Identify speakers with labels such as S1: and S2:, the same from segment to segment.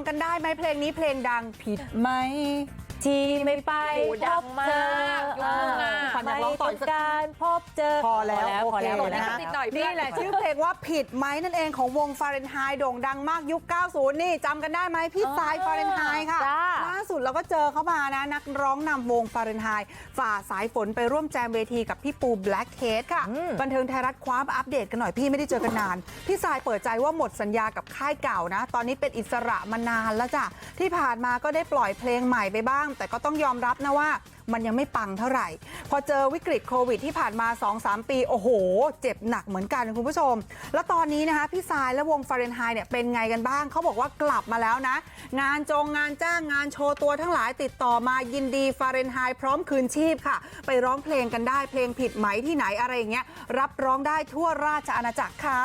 S1: กันได้ไหมเพลงนี้เพลงดังผิดไหมที่ไม่ไปพบเจอขวัญอยากร้องต่ออีกสักการพบเจอพอแล้วนะนี่แหละชื่อเพลงว่าผิดไหมนั่นเองของวงฟาเรนไฮต์โด่งดังมากยุค 90 นี่จำกันได้ไหมพี่สายฟาเรนไฮต์ค่ะล่าสุดเราก็เจอเขามานะนักร้องนำวงฟาเรนไฮต์ฝ่าสายฝนไปร่วมแจมเวทีกับพี่ปูแบล็คเฮดค่ะบันเทิงไทยรัฐคว้ามาอัปเดตกันหน่อยพี่ไม่ได้เจอกันนานพี่สายเปิดใจว่าหมดสัญญากับค่ายเก่านะตอนนี้เป็นอิสระมานานแล้วจ้ะที่ผ่านมาก็ได้ปล่อยเพลงใหม่ไปบ้างแต่ก็ต้องยอมรับนะว่ามันยังไม่ปังเท่าไหร่พอเจอวิกฤตโควิดที่ผ่านมา 2-3 ปีโอ้โหเจ็บหนักเหมือนกันคุณผู้ชมแล้วตอนนี้นะคะพี่สายและวงฟาเรนไฮต์เนี่ยเป็นไงกันบ้างเขาบอกว่ากลับมาแล้วนะงานงานจ้างงานโชว์ตัวทั้งหลายติดต่อมายินดีฟาเรนไฮต์พร้อมคืนชีพค่ะไปร้องเพลงกันได้เพลงผิดไหมที่ไหนอะไรอย่างเงี้ยรับร้องได้ทั่วราชอาณาจักรค่ะ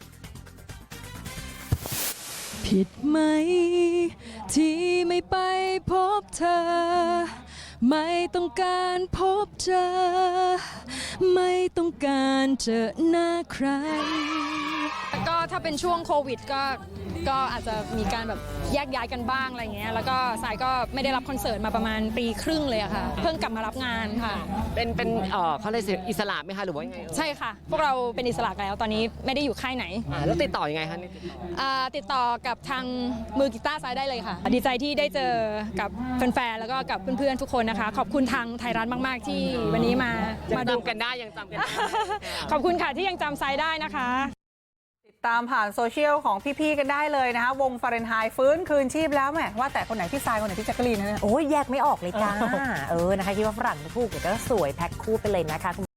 S2: ผิดไหมที่ไม่ไปพบเธอไม่ต้องการพบเจอไม่ต้องการเจอหน้าใครก็ถ้าเป็นช่วงโควิดก็อาจจะมีการแบบแยกย้ายกันบ้างอะไรเงี้ยแล้วก็สายก็ไม่ได้รับคอนเสิร์ตมาประมาณปีครึ่งเลยอะค่ะเพิ่งกลับมารับงานค่ะ
S3: เป็นเขาเรียกอิสระไหมคะหรือว่ายังไง
S2: ใช่ค่ะพวกเราเป็นอิสระแล้วตอนนี้ไม่ได้อยู่ค่ายไหน
S3: แล้วติดต่อยังไงคะ
S2: ติดต่อกับทางมือกีตาร์สายได้เลยค่ะดีใจที่ได้เจอกับแฟนๆแล้วก็กับเพื่อนๆทุกคนนะคะขอบคุณทางไทยรัฐมากๆที่วันนี้มา
S3: ดูกันได้ยังจำกันได้
S2: ขอบคุณค่ะที่ยังจำสายได้นะคะ
S1: ตามผ่านโซเชียลของพี่ๆกันได้เลยนะคะวงฟาเรนไฮต์ฟื้นคืนชีพแล้วแหมว่าแต่คนไหนพี่ทรายคนไหนพี่แจ๊กกะลีนนะ
S4: โอ้ยแยกไม่ออกเลยจ้านะคะคิดว่าฝรั่งถูกเดี๋ยวก็สวยแพ็คคู่ไปเลยนะคะ